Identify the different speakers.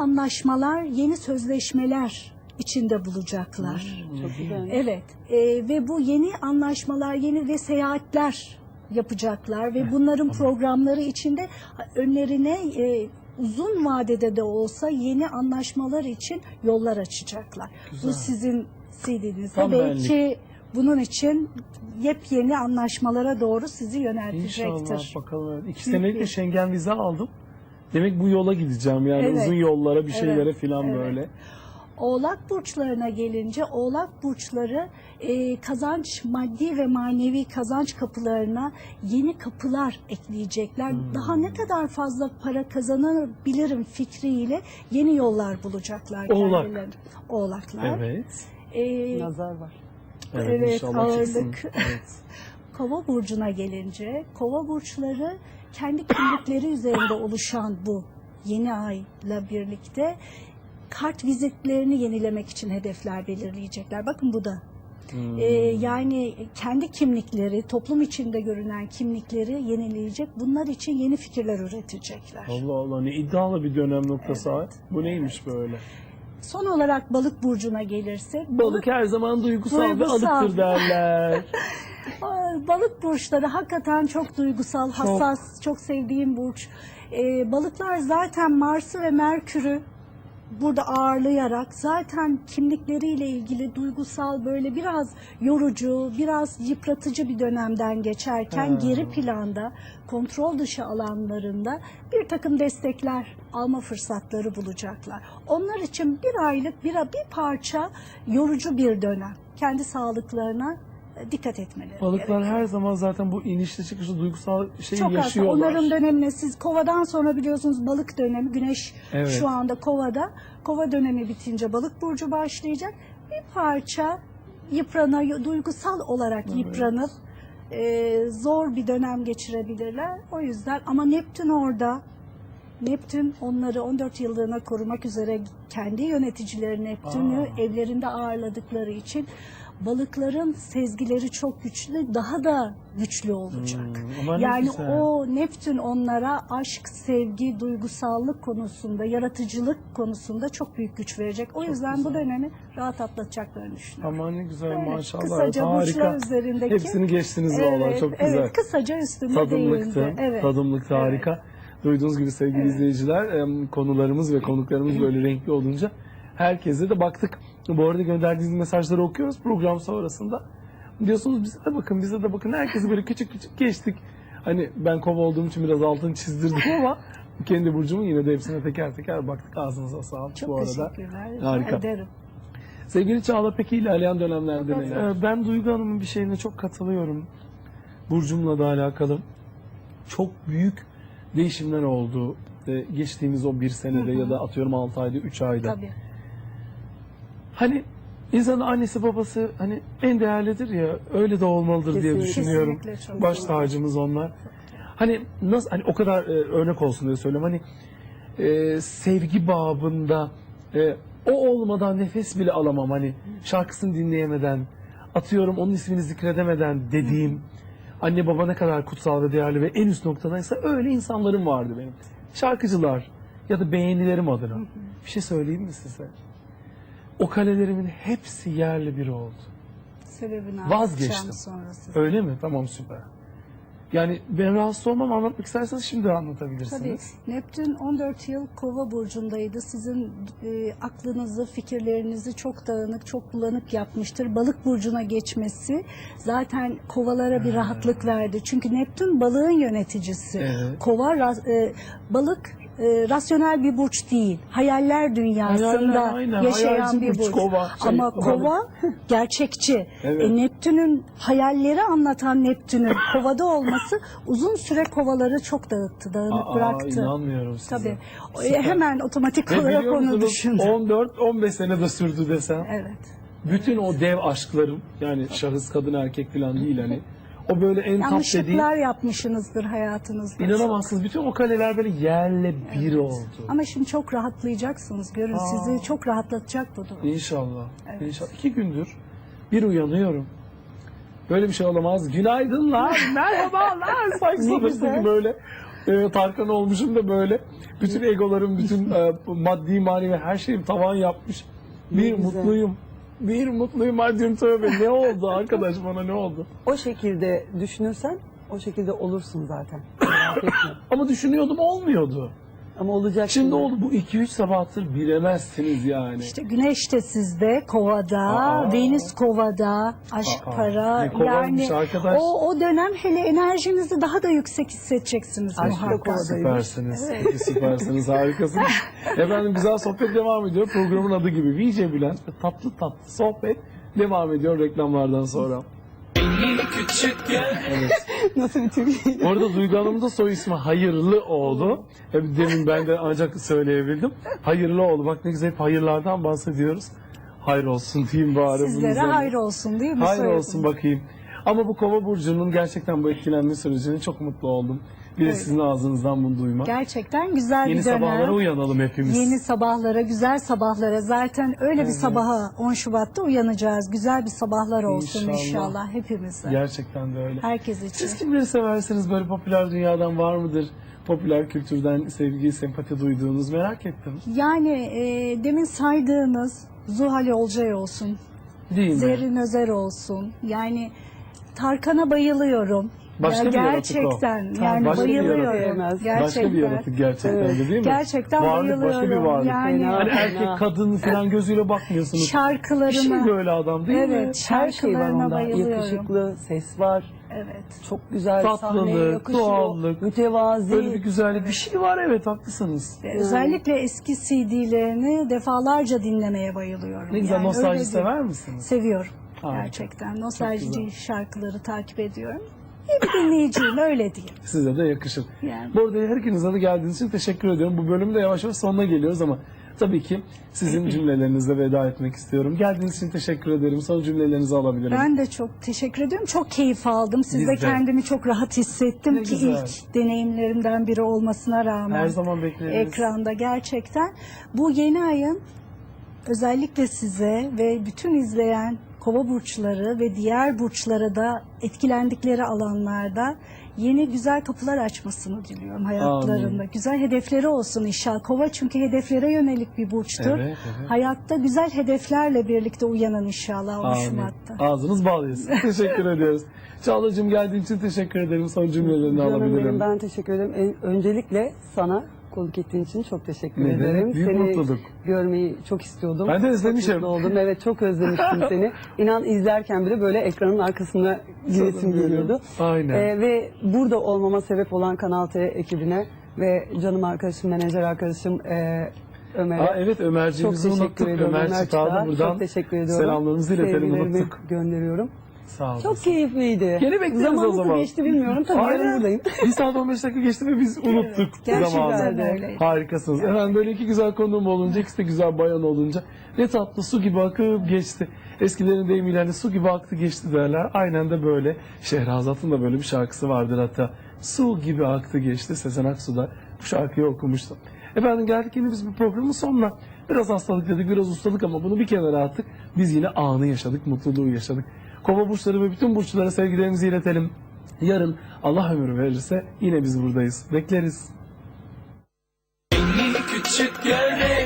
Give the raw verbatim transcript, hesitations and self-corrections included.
Speaker 1: anlaşmalar, yeni sözleşmeler içinde bulacaklar.
Speaker 2: Hmm, çok güzel.
Speaker 1: Evet e, ve bu yeni anlaşmalar, yeni ve seyahatler yapacaklar ve bunların programları içinde önlerine e, uzun vadede de olsa yeni anlaşmalar için yollar açacaklar.
Speaker 2: Güzel.
Speaker 1: Bu sizin C D'nizde
Speaker 2: Tam
Speaker 1: belki
Speaker 2: benlik.
Speaker 1: bunun için yepyeni anlaşmalara doğru sizi yöneltecektir.
Speaker 2: İnşallah bakalım. İki
Speaker 1: Büyük
Speaker 2: senelik de
Speaker 1: bir-
Speaker 2: Schengen vize aldım. Demek bu yola gideceğim yani
Speaker 1: Evet.
Speaker 2: uzun yollara bir şeylere
Speaker 1: Evet,
Speaker 2: filan
Speaker 1: evet.
Speaker 2: böyle.
Speaker 1: Oğlak burçlarına gelince Oğlak burçları e, kazanç, maddi ve manevi kazanç kapılarına yeni kapılar ekleyecekler.
Speaker 2: Hmm.
Speaker 1: Daha ne kadar fazla para kazanabilirim fikriyle yeni yollar bulacaklar
Speaker 2: Oğlak.
Speaker 1: kendilerine. Oğlaklar.
Speaker 2: Evet.
Speaker 1: E,
Speaker 3: Nazar var.
Speaker 2: Evet,
Speaker 1: Evet,
Speaker 2: inşallah çıksın.
Speaker 1: ağırlık.
Speaker 2: Evet.
Speaker 1: Kova burcuna gelince, Kova burçları kendi kimlikleri üzerinde oluşan bu yeni ayla birlikte kart vizitlerini yenilemek için hedefler belirleyecekler. Bakın bu da.
Speaker 2: Hmm.
Speaker 1: Ee, yani kendi kimlikleri, toplum içinde görünen kimlikleri yenileyecek. Bunlar için yeni fikirler üretecekler.
Speaker 2: Allah Allah, ne iddialı bir dönem noktası.
Speaker 1: Evet,
Speaker 2: ha. Bu neymiş böyle?
Speaker 1: Son olarak balık burcuna gelirsek,
Speaker 2: Balık her zaman duygusal,
Speaker 1: Duygusal.
Speaker 2: ve alıktır derler.
Speaker 1: Aa, balık burçları hakikaten çok duygusal, hassas, çok sevdiğim burç. Ee, balıklar zaten Mars'ı ve Merkür'ü burada ağırlayarak zaten kimlikleriyle ilgili duygusal, böyle biraz yorucu, biraz yıpratıcı bir dönemden geçerken
Speaker 2: Ha.
Speaker 1: geri planda, kontrol dışı alanlarında bir takım destekler alma fırsatları bulacaklar. Onlar için bir aylık bir, bir parça yorucu bir dönem. Kendi sağlıklarına e, dikkat etmeleri
Speaker 2: Balıklar
Speaker 1: gerekiyor.
Speaker 2: her zaman zaten bu inişli çıkışlı duygusal şeyi
Speaker 1: Çok az.
Speaker 2: yaşıyorlar.
Speaker 1: Onların dönemine siz kovadan sonra biliyorsunuz balık dönemi, güneş
Speaker 2: Evet.
Speaker 1: şu anda kovada. Kova dönemi bitince balık burcu başlayacak. Bir parça yıprana, duygusal olarak
Speaker 2: Evet.
Speaker 1: yıpranıp e, zor bir dönem geçirebilirler. O yüzden ama Neptün orada. Neptün onları on dört yıllığına korumak üzere kendi yöneticileri Neptün'ü
Speaker 2: Aa.
Speaker 1: evlerinde ağırladıkları için balıkların sezgileri çok güçlü, daha da güçlü olacak.
Speaker 2: Hmm, ama ne
Speaker 1: yani
Speaker 2: güzel.
Speaker 1: o Neptün onlara aşk, sevgi, duygusallık konusunda, yaratıcılık konusunda çok büyük güç verecek. O yüzden bu
Speaker 2: güzel.
Speaker 1: dönemi rahat atlatacaklarını düşünüyorum.
Speaker 2: Aman ne güzel,
Speaker 1: Evet,
Speaker 2: maşallah.
Speaker 1: kısaca
Speaker 2: Evet,
Speaker 1: burçlar
Speaker 2: harika.
Speaker 1: üzerindeki.
Speaker 2: Hepsini geçtiniz valla, çok güzel.
Speaker 1: Evet, kısaca üstüne
Speaker 2: Tadımlıktı,
Speaker 1: değindi. Evet.
Speaker 2: tadımlıktı,
Speaker 1: Evet.
Speaker 2: harika. Duyduğunuz gibi sevgili
Speaker 1: Evet.
Speaker 2: izleyiciler, em, konularımız ve konuklarımız böyle renkli olunca herkese de baktık. Bu arada gönderdiğiniz mesajları okuyoruz program sonrasında. Diyorsunuz bize de bakın, bize de bakın. Herkesi böyle küçük küçük geçtik. Hani ben kova olduğum için biraz altını çizdirdim ama kendi burcumun yine de hepsine teker teker baktık. Ağzınıza sağlık
Speaker 1: Çok
Speaker 2: bu arada.
Speaker 1: teşekkürler. Rica
Speaker 2: Harika.
Speaker 1: ederim.
Speaker 2: Sevgili Çağla, peki ilerleyen dönemlerde
Speaker 1: Evet.
Speaker 2: neler? Ee, Ben Duygu Hanım'ın bir şeyine çok katılıyorum. Burcumla da alakalı. Çok büyük değişimler oldu. Ee, Geçtiğimiz o bir senede
Speaker 1: Hı hı.
Speaker 2: ya da atıyorum altı ayda, üç ayda.
Speaker 1: Tabii.
Speaker 2: Hani insanın annesi babası hani en değerlidir ya, öyle de olmalıdır diye
Speaker 3: Kesinlikle.
Speaker 2: düşünüyorum.
Speaker 1: Kesinlikle çok
Speaker 2: Baş
Speaker 1: doğru.
Speaker 2: tacımız onlar. Hani nasıl, hani o kadar e, örnek olsun diye söylüyorum. Hani e, sevgi babında e, o olmadan nefes bile alamam. Hani şarkısını dinleyemeden, atıyorum onun ismini zikredemeden dediğim anne baba ne kadar kutsal ve değerli ve en üst noktadaysa öyle insanlarım vardı benim. Şarkıcılar ya da beğenilerim adına. Bir şey söyleyeyim mi size? O kalelerimin hepsi yerli biri oldu.
Speaker 1: Sebebini
Speaker 2: Vazgeçtim.
Speaker 1: anlatacağım sonra size.
Speaker 2: Öyle mi? Tamam, süper. Yani ben rahatsız olmam, anlatmak isterseniz şimdi
Speaker 1: Tabii.
Speaker 2: anlatabilirsiniz.
Speaker 1: Neptün on dört yıl Kova burcundaydı. Sizin e, aklınızı, fikirlerinizi çok dağınık, çok bulanık yapmıştır. Balık burcuna geçmesi zaten kovalara bir rahatlık verdi. Çünkü Neptün balığın yöneticisi.
Speaker 2: Evet.
Speaker 1: Kova ra- e, balık e, rasyonel bir burç değil. Hayaller dünyasında
Speaker 2: Hayaller, aynen.
Speaker 1: yaşayan
Speaker 2: Hayalci
Speaker 1: bir
Speaker 2: burç,
Speaker 1: burç.
Speaker 2: kova, şey,
Speaker 1: Ama
Speaker 2: balık.
Speaker 1: kova gerçekçi.
Speaker 2: Evet.
Speaker 1: E, Neptün'ün hayalleri anlatan Neptün'ün kovada olması uzun süre kovaları çok dağıttı, dağınık
Speaker 2: Aa,
Speaker 1: bıraktı.
Speaker 2: inanmıyorum size.
Speaker 1: Tabii. O,
Speaker 2: Süper.
Speaker 1: Hemen otomatik
Speaker 2: Ve
Speaker 1: olarak
Speaker 2: biliyor
Speaker 1: onu
Speaker 2: musunuz,
Speaker 1: düşündüm.
Speaker 2: on dört on beş sene de sürdü desem.
Speaker 1: Evet.
Speaker 2: Bütün o dev aşklarım, yani şahıs, kadın, erkek falan değil hani. O böyle en tap dediğim,
Speaker 1: Yanlışlıklar yapmışsınızdır hayatınızda.
Speaker 2: inanamazsınız. Bütün o kaleler böyle yerle bir oldu.
Speaker 1: Ama şimdi çok rahatlayacaksınız. Görün,
Speaker 2: Aa.
Speaker 1: sizi çok rahatlatacak bu durum.
Speaker 2: İnşallah.
Speaker 1: Evet.
Speaker 2: İnşallah. İki gündür bir uyanıyorum. Böyle bir şey olamaz. Günaydınlar, merhabalar. Sanki
Speaker 1: Ne
Speaker 2: sınıfta
Speaker 1: güzel.
Speaker 2: gibi böyle. e, Tarkan olmuşum da böyle. Bütün egolarım, bütün e, maddi manevi her şeyim tavan yapmış. Bir
Speaker 3: Ne güzel.
Speaker 2: mutluyum. Bir mutluyum. Hadi diyorum tövbe. Ne oldu arkadaş, bana ne oldu?
Speaker 3: O şekilde düşünürsen o şekilde olursun zaten. Merak etme.
Speaker 2: Ama düşünüyordum, olmuyordu.
Speaker 3: Ama olacak.
Speaker 2: Şimdi oldu, bu iki üç sabahtır bilemezsiniz yani.
Speaker 1: İşte Güneş de sizde, Kova'da,
Speaker 2: Aa.
Speaker 1: Venüs Kova'da, aşk
Speaker 2: Aa,
Speaker 1: para.
Speaker 2: ne Kova'ymış
Speaker 1: Yani
Speaker 2: arkadaş.
Speaker 1: o, o dönem hele enerjinizi daha da yüksek hissedeceksiniz
Speaker 3: Aşk da
Speaker 1: muhakkak.
Speaker 3: Kova'da.
Speaker 2: Süpersiniz, süpersiniz, harikasınız. Efendim güzel sohbet devam ediyor. Programın adı gibi V J Bülent ve tatlı tatlı sohbet devam ediyor reklamlardan sonra. Evet.
Speaker 3: Nasıl bir Türkiye?
Speaker 2: Orada Duygu Hanım'ın da soy ismi Hayırlıoğlu. Hep demin ben de ancak söyleyebildim. Hayırlıoğlu. Bak ne güzel, hep hayırlardan bahsediyoruz. Hayır olsun diyeyim bari. bunun
Speaker 1: Sizlere
Speaker 2: üzerine.
Speaker 1: hayır olsun değil mi?
Speaker 2: Hayır
Speaker 1: Soyadınız?
Speaker 2: olsun bakayım. Ama bu Kova burcunun gerçekten bu etkilenme sürecine çok mutlu oldum. Bir de
Speaker 1: Evet.
Speaker 2: sizin ağzınızdan bunu duymak.
Speaker 1: Gerçekten güzel
Speaker 2: Yeni
Speaker 1: bir dönem.
Speaker 2: sabahlara uyanalım hepimiz.
Speaker 1: Yeni sabahlara, güzel sabahlara. Zaten öyle bir
Speaker 2: Evet.
Speaker 1: sabaha on Şubat'ta uyanacağız. Güzel bir sabahlar olsun
Speaker 2: İnşallah.
Speaker 1: inşallah, hepimize.
Speaker 2: Gerçekten de öyle.
Speaker 1: Herkes için.
Speaker 2: Siz kimleri seversiniz, böyle popüler dünyadan var mıdır? Popüler kültürden sevgi, sempati duyduğunuz, merak ettim.
Speaker 1: Yani e, demin saydığınız Zuhal Olcay olsun,
Speaker 2: Değil mi?
Speaker 1: Zerrin Özer olsun. Yani Tarkan'a bayılıyorum.
Speaker 2: Başka
Speaker 1: Ya
Speaker 2: bir yaratık o.
Speaker 1: gerçekten
Speaker 3: Tabii,
Speaker 1: yani
Speaker 2: başka bir
Speaker 1: bayılıyorum.
Speaker 3: yaratık.
Speaker 1: Gerçekten.
Speaker 2: Başka bir yaratık gerçekten
Speaker 3: Evet.
Speaker 2: de değil mi?
Speaker 1: Gerçekten
Speaker 2: varlık,
Speaker 1: bayılıyorum.
Speaker 2: başka bir varlık.
Speaker 1: Yani
Speaker 3: Fena.
Speaker 2: Hani
Speaker 3: Fena.
Speaker 2: erkek, kadın falan gözüyle bakmıyorsunuz.
Speaker 1: şarkılarına.
Speaker 2: Bir şey böyle adam değil mi?
Speaker 1: Evet,
Speaker 3: Her şey var
Speaker 1: şarkılarına
Speaker 3: onda.
Speaker 1: bayılıyorum.
Speaker 3: Yakışıklı, ses var.
Speaker 1: Evet.
Speaker 3: Çok güzel
Speaker 2: Tatlılık,
Speaker 3: sahneye yakışıyor.
Speaker 2: doğallık.
Speaker 3: Mütevazi.
Speaker 2: Böyle bir güzellik, bir şey var, evet haklısınız.
Speaker 1: Ve Özellikle eski C D'lerini defalarca dinlemeye bayılıyorum.
Speaker 2: Ne güzel,
Speaker 1: Yani
Speaker 2: nostalji
Speaker 1: öyle değil.
Speaker 2: sever misiniz?
Speaker 1: Seviyorum.
Speaker 2: Harika.
Speaker 1: Gerçekten.
Speaker 2: güzel.
Speaker 1: Nostalji şarkıları takip ediyorum. İyi bir dinleyiciyim, öyle diyeyim.
Speaker 2: Size de yakışır.
Speaker 1: Yani.
Speaker 2: Bu arada her ikinize de geldiğiniz için teşekkür ediyorum. Bu bölümün de yavaş yavaş sonuna geliyoruz ama tabii ki sizin cümlelerinizle veda etmek istiyorum. Geldiğiniz için teşekkür ederim. Son cümlelerinizi alabilirim.
Speaker 1: Ben de çok teşekkür ediyorum. Çok keyif aldım. Sizde
Speaker 2: Biz de.
Speaker 1: kendimi çok rahat hissettim
Speaker 2: Ne
Speaker 1: ki
Speaker 2: güzel.
Speaker 1: ilk deneyimlerimden biri olmasına rağmen.
Speaker 2: Her zaman bekleriz.
Speaker 1: Ekranda gerçekten. Bu yeni ayın özellikle size ve bütün izleyen Kova burçları ve diğer burçlara da etkilendikleri alanlarda yeni güzel kapılar açmasını diliyorum hayatlarında.
Speaker 2: Amin.
Speaker 1: Güzel hedefleri olsun inşallah. Kova çünkü hedeflere yönelik bir burçtur.
Speaker 2: Evet, evet.
Speaker 1: Hayatta güzel hedeflerle birlikte uyanın inşallah on
Speaker 2: Amin.
Speaker 1: Şubat'ta.
Speaker 2: Ağzınız bal yesin. Teşekkür ediyoruz. Çağla'cığım geldiğin için teşekkür ederim. Son cümlelerini
Speaker 3: Canım
Speaker 2: alabilirim.
Speaker 3: benim, ben teşekkür ederim. En- öncelikle sana konuk ettiğin için çok teşekkür
Speaker 2: Ne demek,
Speaker 3: ederim.
Speaker 2: büyük
Speaker 3: seni
Speaker 2: mutluluk.
Speaker 3: görmeyi çok istiyordum.
Speaker 2: Ben de özlemişim.
Speaker 3: Çok mutlu oldum. Evet, çok özlemiştim seni. İnan izlerken bile böyle ekranın arkasına giresim geliyordu.
Speaker 2: Aynen.
Speaker 3: Ee, ve burada olmama sebep olan Kanal T ekibine ve canım arkadaşım, menajer arkadaşım e, Ömer'e.
Speaker 2: Aa, evet, Ömerciğimizi
Speaker 3: Çok teşekkür
Speaker 2: unuttuk.
Speaker 3: ediyorum.
Speaker 2: Ömer
Speaker 3: Ömer
Speaker 2: Çıtağ'da
Speaker 3: Çıtağ'a
Speaker 2: buradan
Speaker 3: çok teşekkür ediyorum.
Speaker 2: selamlarımızı iletelim,
Speaker 3: Sevgilerimi
Speaker 2: unuttuk.
Speaker 3: gönderiyorum.
Speaker 2: Sağ olun.
Speaker 3: Çok keyifliydi.
Speaker 2: Gene bekleriz
Speaker 3: Zaman
Speaker 2: o zaman.
Speaker 3: nasıl geçti bilmiyorum. Tabii
Speaker 2: Aynen.
Speaker 3: yarın buradayım.
Speaker 2: Bir saat on beş dakika geçti ve biz unuttuk
Speaker 1: Gerçekten
Speaker 2: zamanı.
Speaker 1: öyle.
Speaker 2: Harikasınız. Efendim böyle iki güzel konuğum olunca, ikisi de güzel bayan olunca ne tatlı, su gibi akıp geçti. Eskilerin deyimiyle hani su gibi aktı geçti derler. Aynen de böyle. Şehrazat'ın da böyle bir şarkısı vardır hatta. Su gibi aktı geçti. Sezen Aksu da bu şarkıyı okumuştu. Efendim geldik yine biz bu programın sonuna. Biraz hastalık dedik, biraz ustalık ama bunu bir kenara attık. Biz yine anı yaşadık, mutluluğu yaşadık. Kova burçları ve bütün burçlara sevgilerimizi iletelim. Yarın Allah ömür verirse yine biz buradayız. Bekleriz.
Speaker 4: Küçük gölge